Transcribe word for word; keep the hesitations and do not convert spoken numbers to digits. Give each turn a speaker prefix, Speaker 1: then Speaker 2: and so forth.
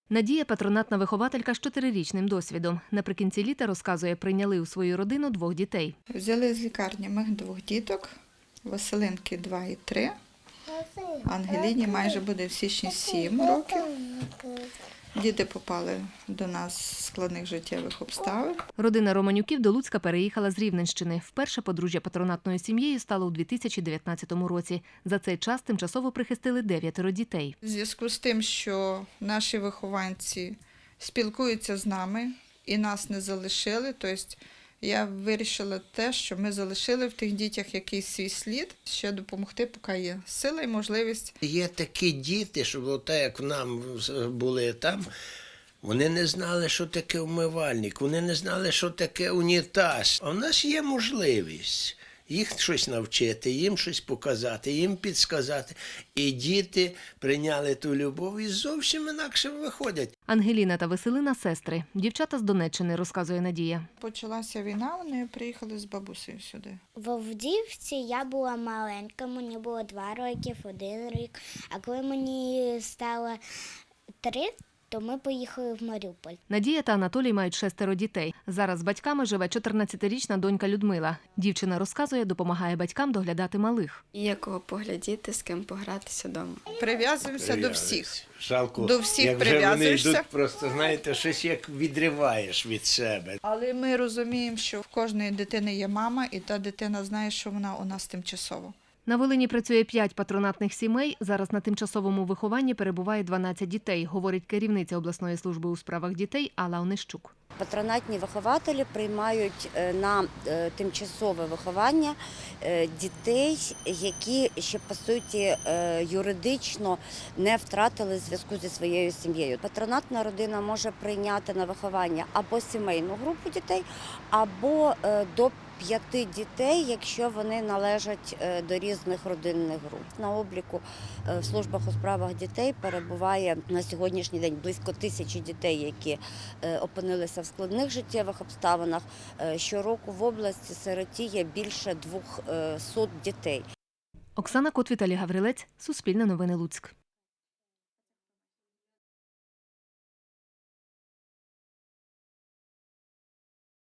Speaker 1: Надія – патронатна вихователька з чотирирічним досвідом. Наприкінці літа, розказує, прийняли у свою родину двох дітей.
Speaker 2: Взяли з лікарні ми двох діток, Василинки два і три, Ангеліні майже буде в січні сім років. Діти попали до нас з складних життєвих обставин.
Speaker 1: Родина Романюків до Луцька переїхала з Рівненщини. Вперше подружжя патронатною сім'єю стало у дві тисячі дев'ятнадцятому році. За цей час тимчасово прихистили дев'ятеро дітей.
Speaker 2: У зв'язку з тим, що наші вихованці спілкуються з нами і нас не залишили, тобто я вирішила те, що ми залишили в тих дітях якийсь свій слід, ще допомогти, поки є сила і можливість.
Speaker 3: Є такі діти, що було так, як нам були там, вони не знали, що таке умивальник, вони не знали, що таке унітаз. А в нас є можливість їх щось навчити, їм щось показати, їм підсказати. І діти прийняли ту любов і зовсім інакше виходять.
Speaker 1: Ангеліна та Василина – сестри. Дівчата з Донеччини, розказує Надія.
Speaker 2: Почалася війна, вони приїхали з бабусею сюди.
Speaker 4: В Авдіївці я була маленька, мені було два роки, один рік. А коли мені стало три, то ми поїхали в Маріуполь.
Speaker 1: Надія та Анатолій мають шестеро дітей. Зараз з батьками живе чотирнадцятирічна донька Людмила. Дівчина розказує, допомагає батькам доглядати малих.
Speaker 5: Є кого поглядіти, з ким погратися вдома.
Speaker 2: Прив'язуємося до всіх.
Speaker 3: Жалко,
Speaker 2: До всіх
Speaker 3: як вже вони
Speaker 2: прив'язуєшся.
Speaker 3: йдуть, просто, знаєте, щось як відриваєш від себе.
Speaker 2: Але ми розуміємо, що в кожної дитини є мама, і та дитина знає, що вона у нас тимчасово.
Speaker 1: На Волині працює п'ять патронатних сімей. Зараз на тимчасовому вихованні перебуває дванадцять дітей, говорить керівниця обласної служби у справах дітей Алла Онищук.
Speaker 6: Патронатні вихователі приймають на тимчасове виховання дітей, які ще, по суті, юридично не втратили зв'язку зі своєю сім'єю. Патронатна родина може прийняти на виховання або сімейну групу дітей, або до п'яти дітей, якщо вони належать до різних родинних груп. На обліку в службах у справах дітей перебуває на сьогоднішній день близько тисячі дітей, які опинилися в складних життєвих обставинах. Щороку в області сиротіє більше двохсот дітей.
Speaker 1: Оксана Кот, Віталій Гаврилець, Суспільне новини Луцьк.